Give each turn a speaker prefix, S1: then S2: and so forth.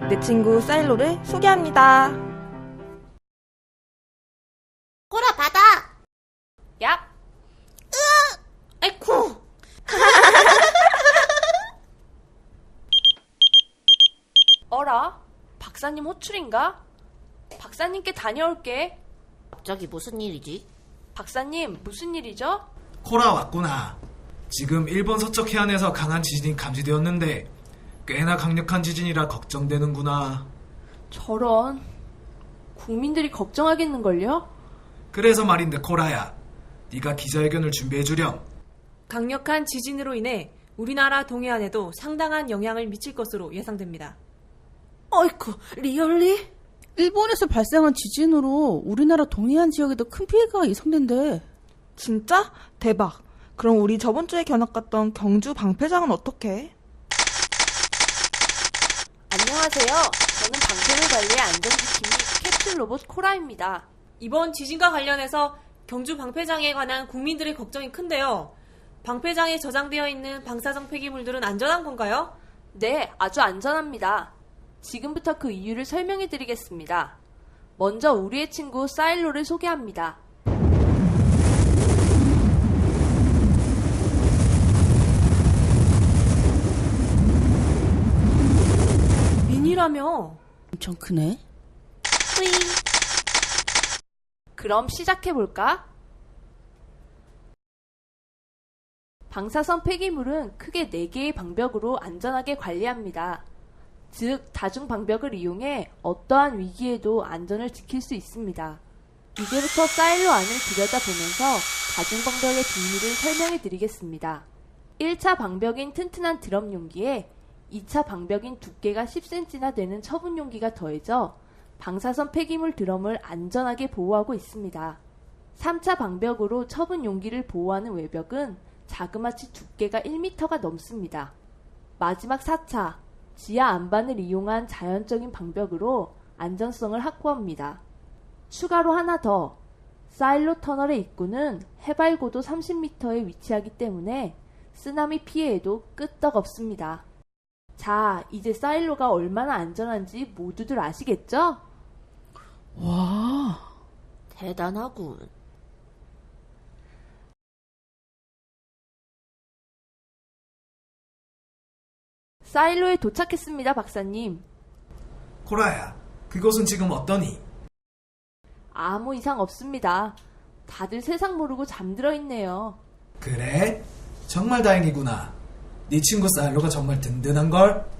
S1: 내 친구 사일로를 소개합니다.
S2: 코라 받아.
S3: 얍. 아이쿠. 어라? 박사님 호출인가? 박사님께 다녀올게.
S2: 갑자기 무슨 일이지?
S3: 박사님, 무슨 일이죠?
S4: 코라 왔구나. 지금 일본 서쪽 해안에서 강한 지진이 감지되었는데 꽤나 강력한 지진이라 걱정되는구나.
S3: 저런. 국민들이 걱정하겠는걸요?
S4: 그래서 말인데 코라야, 네가 기자회견을 준비해주렴.
S5: 강력한 지진으로 인해 우리나라 동해안에도 상당한 영향을 미칠 것으로 예상됩니다.
S1: 어이쿠, 리얼리?
S6: 일본에서 발생한 지진으로 우리나라 동해안 지역에도 큰 피해가 예상된대.
S1: 진짜? 대박. 그럼 우리 저번 주에 견학 갔던 경주 방패장은 어떡해?
S3: 안녕하세요. 저는 방패를 관리해 안전지킴이 캡슐 로봇 코라입니다.
S5: 이번 지진과 관련해서 경주 방패장에 관한 국민들의 걱정이 큰데요. 방패장에 저장되어 있는 방사성 폐기물들은 안전한 건가요?
S3: 네, 아주 안전합니다. 지금부터 그 이유를 설명해 드리겠습니다. 먼저 우리의 친구 사일로를 소개합니다.
S5: 미니라며.
S6: 엄청 크네.
S3: 그럼 시작해볼까? 방사선 폐기물은 크게 4개의 방벽으로 안전하게 관리합니다. 즉, 다중 방벽을 이용해 어떠한 위기에도 안전을 지킬 수 있습니다. 이제부터 사일로 안을 들여다보면서 다중 방벽의 비밀을 설명해 드리겠습니다. 1차 방벽인 튼튼한 드럼 용기에 2차 방벽인 두께가 10cm나 되는 처분 용기가 더해져 방사선 폐기물 드럼을 안전하게 보호하고 있습니다. 3차 방벽으로 처분 용기를 보호하는 외벽은 자그마치 두께가 1m가 넘습니다. 마지막 4차, 지하 안반을 이용한 자연적인 방벽으로 안전성을 확보합니다. 추가로 하나 더, 사일로 터널의 입구는 해발 고도 30m에 위치하기 때문에 쓰나미 피해에도 끄떡없습니다. 자, 이제 사일로가 얼마나 안전한지 모두들 아시겠죠?
S6: 와,
S2: 대단하군.
S3: 사일로에 도착했습니다, 박사님.
S4: 코라야, 그곳은 지금 어떠니?
S3: 아무 이상 없습니다. 다들 세상 모르고 잠들어 있네요.
S4: 그래? 정말 다행이구나. 네 친구 사일로가 정말 든든한걸?